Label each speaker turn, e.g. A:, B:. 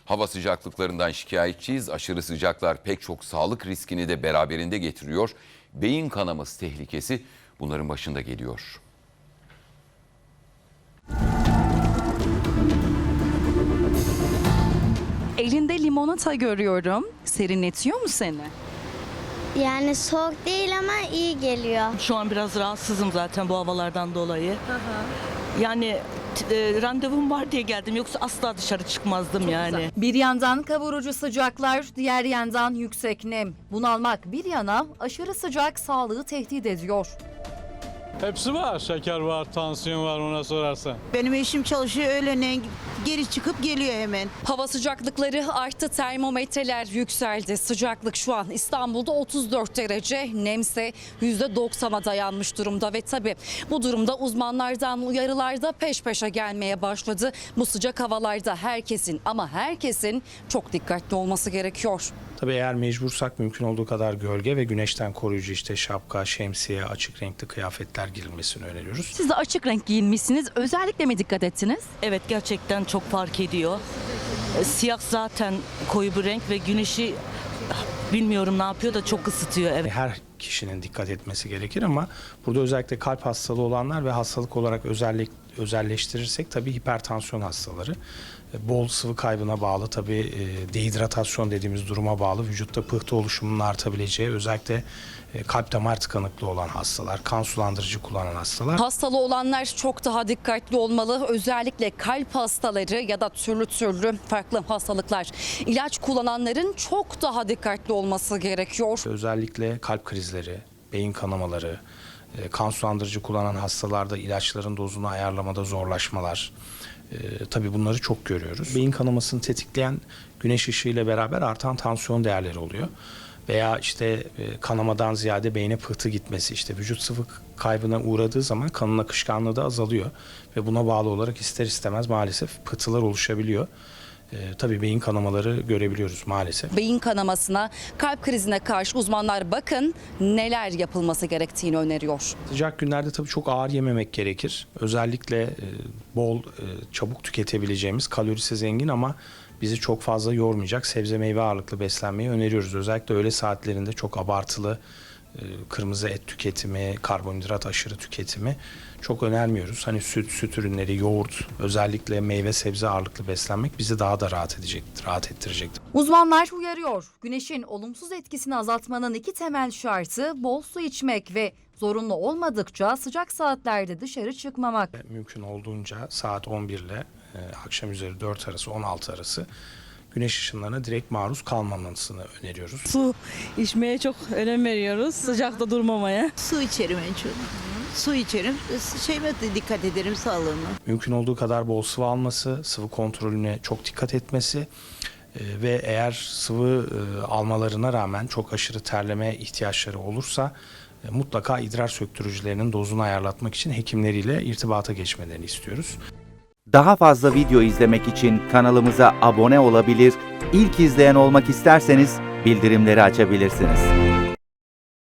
A: Hava sıcaklıklarından şikayetçiyiz. Aşırı sıcaklar pek çok sağlık riskini de beraberinde getiriyor. Beyin kanaması tehlikesi bunların başında geliyor.
B: Elinde limonata görüyorum. Serinletiyor mu seni?
C: Yani soğuk değil ama iyi geliyor.
D: Şu an biraz rahatsızım zaten bu havalardan dolayı. Yani randevum var diye geldim, yoksa asla dışarı çıkmazdım yani.
E: Bir yandan kavurucu sıcaklar, diğer yandan yüksek nem. Bunalmak bir yana aşırı sıcak sağlığı tehdit ediyor.
F: Hepsi var. Şeker var, tansiyon var ona sorarsan.
G: Benim eşim çalışıyor, öğlene geri çıkıp geliyor hemen.
B: Hava sıcaklıkları arttı, termometreler yükseldi. Sıcaklık şu an İstanbul'da 34 derece, nemse %90'a dayanmış durumda ve tabii bu durumda uzmanlardan uyarılar da peş peşe gelmeye başladı. Bu sıcak havalarda herkesin çok dikkatli olması gerekiyor.
H: Tabii eğer mecbursak mümkün olduğu kadar gölge ve güneşten koruyucu işte şapka, şemsiye, açık renkli kıyafetler girilmesini öneriyoruz.
B: Siz de açık renk giyinmişsiniz. Özellikle mi dikkat ettiniz?
D: Evet, gerçekten çok fark ediyor. Siyah zaten koyu bir renk ve güneşi bilmiyorum ne yapıyor da çok ısıtıyor. Evet.
H: Her kişinin dikkat etmesi gerekir ama burada özellikle kalp hastalığı olanlar ve hastalık olarak özelleştirirsek tabii hipertansiyon hastaları. Bol sıvı kaybına bağlı, tabii dehidratasyon dediğimiz duruma bağlı, vücutta pıhtı oluşumunun artabileceği, özellikle kalp damar tıkanıklığı olan hastalar, kan sulandırıcı kullanan hastalar.
B: Hastalı olanlar çok daha dikkatli olmalı. Özellikle kalp hastaları ya da türlü farklı hastalıklar. İlaç kullananların çok daha dikkatli olması gerekiyor.
H: Özellikle kalp krizleri, beyin kanamaları, kan sulandırıcı kullanan hastalarda ilaçların dozunu ayarlamada zorlaşmalar. Tabii bunları çok görüyoruz. Beyin kanamasını tetikleyen güneş ışığı ile beraber artan tansiyon değerleri oluyor. Veya işte kanamadan ziyade beyne pıhtı gitmesi, işte vücut sıvı kaybına uğradığı zaman kanın akışkanlığı da azalıyor. Ve buna bağlı olarak ister istemez maalesef pıhtılar oluşabiliyor. Tabii beyin kanamaları görebiliyoruz maalesef.
B: Beyin kanamasına, kalp krizine karşı uzmanlar bakın neler yapılması gerektiğini öneriyor.
H: Sıcak günlerde tabii çok ağır yememek gerekir. Özellikle bol, çabuk tüketebileceğimiz, kalorisi zengin ama bizi çok fazla yormayacak sebze meyve ağırlıklı beslenmeyi öneriyoruz. Özellikle öğle saatlerinde çok abartılı kırmızı et tüketimi, karbonhidrat aşırı tüketimi çok önermiyoruz. Hani süt ürünleri, yoğurt, özellikle meyve sebze ağırlıklı beslenmek bizi daha da rahat ettirecektir.
E: Uzmanlar uyarıyor. Güneşin olumsuz etkisini azaltmanın 2 temel şartı bol su içmek ve zorunlu olmadıkça sıcak saatlerde dışarı çıkmamak.
H: Mümkün olduğunca saat 11 ile akşam üzeri 4 arası, 16 arası güneş ışınlarına direkt maruz kalmamasını öneriyoruz.
D: Su içmeye çok önem veriyoruz, sıcakta durmamaya.
G: Su içerim en çok. Su içerim, şeyime de dikkat ederim sağlığıma.
H: Mümkün olduğu kadar bol sıvı alması, sıvı kontrolüne çok dikkat etmesi ve eğer sıvı almalarına rağmen çok aşırı terleme ihtiyaçları olursa mutlaka idrar söktürücülerinin dozunu ayarlatmak için hekimleriyle irtibata geçmelerini istiyoruz.
I: Daha fazla video izlemek için kanalımıza abone olabilir, ilk izleyen olmak isterseniz bildirimleri açabilirsiniz.